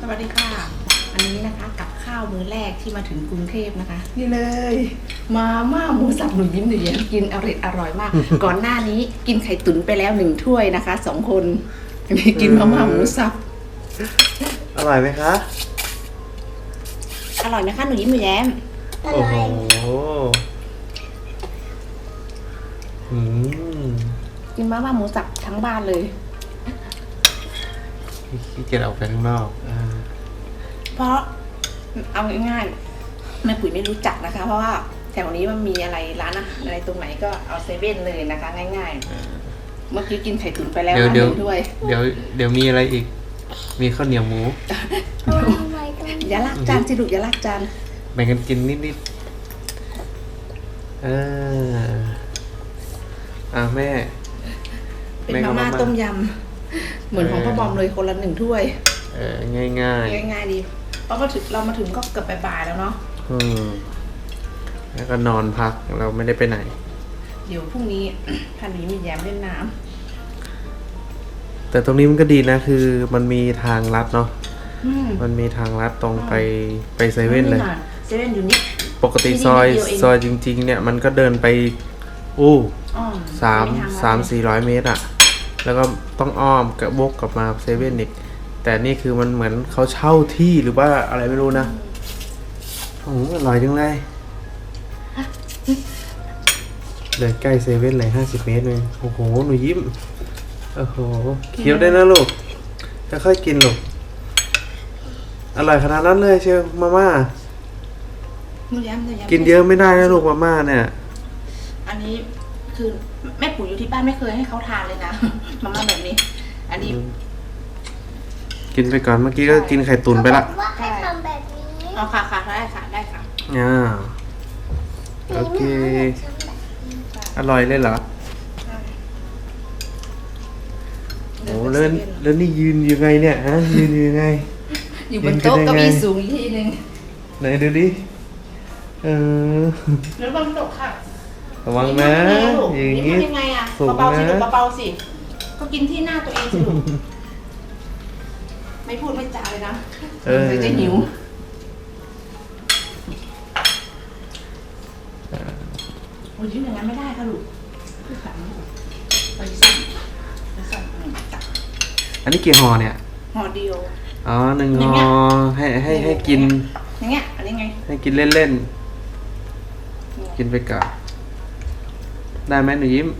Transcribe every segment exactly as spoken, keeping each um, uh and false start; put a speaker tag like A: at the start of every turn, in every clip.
A: สวัสดีค่ะอันนี้นะคะกับข้าวมื้อแรกที่มาถึงกรุงเทพนะคะนี่เลยมาม่าหมูสับหนูยิ้มหนูแย้มกินอร่อยอร่อยมาก ก่อนหน้านี้กินไข่ตุ๋นไปแล้วหนึ่งถ้วยนะคะสองคนอันนี้กินมาม่าหมูสับ
B: อร่อยไหมคะ
A: อร่อยไหมคะหนูยิ้มหนูแย้ม
B: โอ้โหอืม
A: กินมาม่าหมูสับทั้งบ้านเลย
B: ขี้เกียจออกไปข้างนอกอ่า
A: เพราะเอาง่ายๆแม่ปุ๋ยไม่รู้จักนะคะ เพราะว่าแถวนี้มันมีอะไรร้านอาหารอะไรตรงไหนก็เอาเซเว่นเลยนะคะ ง่ายๆเมื่อกี้กินไข่ตุ๋นไปแล้ว
B: เดี๋ยว
A: นะ
B: เดี๋ยว
A: หนึ่งด้วย
B: เดี๋ยวเดี๋ยวมีอะไรอีก มีข้าวเหนียวหมู
A: อย่าลากจานสิลูกอย่าลากจาน
B: แบ่งกันกินนิดๆเอออ่ะแม่
A: เป็น
B: แม่ก็
A: มาม่า
B: มาม่า
A: ต้มยำเหมือนของพ่อบอมเลยคนละหนึ่งถ้วย
B: เออง่ายง่าย
A: ง่ายๆดีเพราะมาถึงเรามาถึงก็เกือบบ่ายๆแล้วเนาะ
B: ๆอืมแล้วก็นอนพักเราไม่ได้ไปไหน
A: เดี๋ยวพรุ่งนี้ พันนี้มีแย้มเล่นน้
B: แต่ตรงนี้มันก็ดีนะคือมันมีทางลัดเนาะ
A: ำอืม
B: มันมีทางลัดตรงไปไปเซเว่นเลย
A: เซเว่นอยู่นี่
B: ปกติ
A: ที่นี่
B: ซอย
A: นิดเดียวเอง
B: ซอยจริง ๆ เนี่ยมันก็เดินไปอู้
A: อ้อม
B: สาม
A: ไทงลัด
B: สาม
A: เลย
B: สี่ร้อยเมตรอะแล้วก็ต้องอ้อมกับวกกลับมาเซเว่นอีกแต่นี่คือมันเหมือนเขาเช่าที่หรือว่าอะไรไม่รู้นะโอ้โหอร่อยจังเลยเลยใกล้เซเว่นเลยห้าสิบเมตรเลยโอ้โหหนูยิ้มโอ้โหเคี้ยวได้นะลูกค่อยๆกินลูกอร่อยขนาดนั้นเลยเชียวมาม่า
A: หนูแย้มหนูแย้ม
B: กินเยอะไม่ได้นะลูกมาม่าเนี่ย
A: อันนี้คือแม่ปุ๋ยอยู่ที่บ้านไม่เคยให้เขาทานเลยนะ มาม่าแบบนี้ อันนี้
B: กินไปก่อนเมื่อกี้ก็กินไข่ตุ๋นไปละ
C: ว่าให้ทำแบบนี้
A: เอาค่ะค่ะได้ค่ะได้ค่ะ
B: อ่าโอเค อร่อยเลยเหรอโอ้แล้วแล้วนี่ยืนยังไงเนี่ยฮะยืนยังไง
A: อยู่บนโต๊ะเก้าอี้สูงอีกทีหนึ่ง
B: ไหนดูดิเออ
A: แล้วบนโต๊ะค่ะ
B: ระวังนะ อย่าง
A: นี้
B: งี้
A: ยังไงอ่ะ
B: สูง
A: เบาๆสิ
B: นะ
A: ลูกเบาๆสิก็กินที่หน้าตัวเองสิลูกไม่พูดไม่จาเลยนะ
B: เออ
A: เดี๋ยวจะหิวโอ้ยที่อย่างนั้นไม่ได้ค่ะลูกคือขันลูกไปสั่งไปสั่งอืมจับ
B: อันนี้กี่ห่อเนี่ย
A: ห่อเดียว
B: อ๋อหนึ่ง
A: อย่าง
B: ห่
A: เงี้
B: อย ให้ให้ให้กิน
A: อย่างเงี้ยอันนี้ไง ให้
B: ให้กินเล่นๆ กินไปก่อนได้ไหมหนูยิ้ม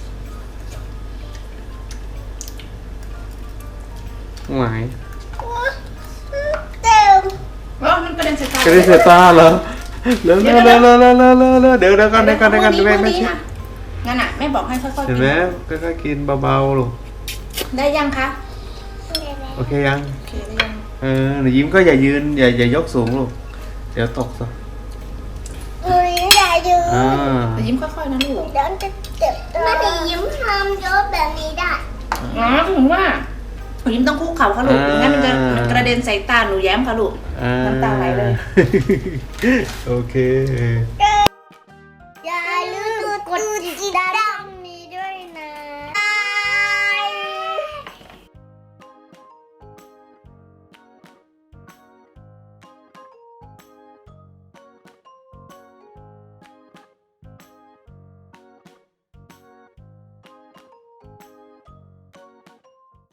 B: หวาย
C: เต็ม
A: เออมันกระเด็นใส่ตาก
B: ระดิ่งเสียตาเหรอเร็วเร็วเร็วเร็วเร็วเร็วเร็วเร็วเดี๋ยวเดี๋ยวกันเดี๋ยวกันเดี๋ยวกัน
A: พรุ่ง
B: แม่
A: พรุ่
B: ไม่
A: งนี้
B: ชิด
A: นะงั้นอ่ะแม่บอกให้ค่อยๆ
B: เห็
A: กิ
B: น
A: น
B: ไหมค่อยๆกินเบาๆลูก
A: ได้ยังคะ
B: โอเคยัง
A: โอเคได้ยัง
B: เออหนูยิ้มก็อย่ายืนอย่าอย่ายกสูงลูกเดี๋ยวตกซะ
C: อุ้ยอย่าดู
B: อ่า
A: แต่ยิ้มค่อยๆนะลูก
C: เดี๋ยวจะเจ็บตัวไม่ได้ยิ้มทำเยอะแบบนี้ได้
A: อ๋อถึงว่าหนูยิ้มต้องคุกเข่าค่ะลูกงั้นมันจะมันกระเด็นใส่ตาหนูแย้มค่ะลูก
B: อ่า
A: น้ำตาไหลเลย
B: โอเค
C: ก็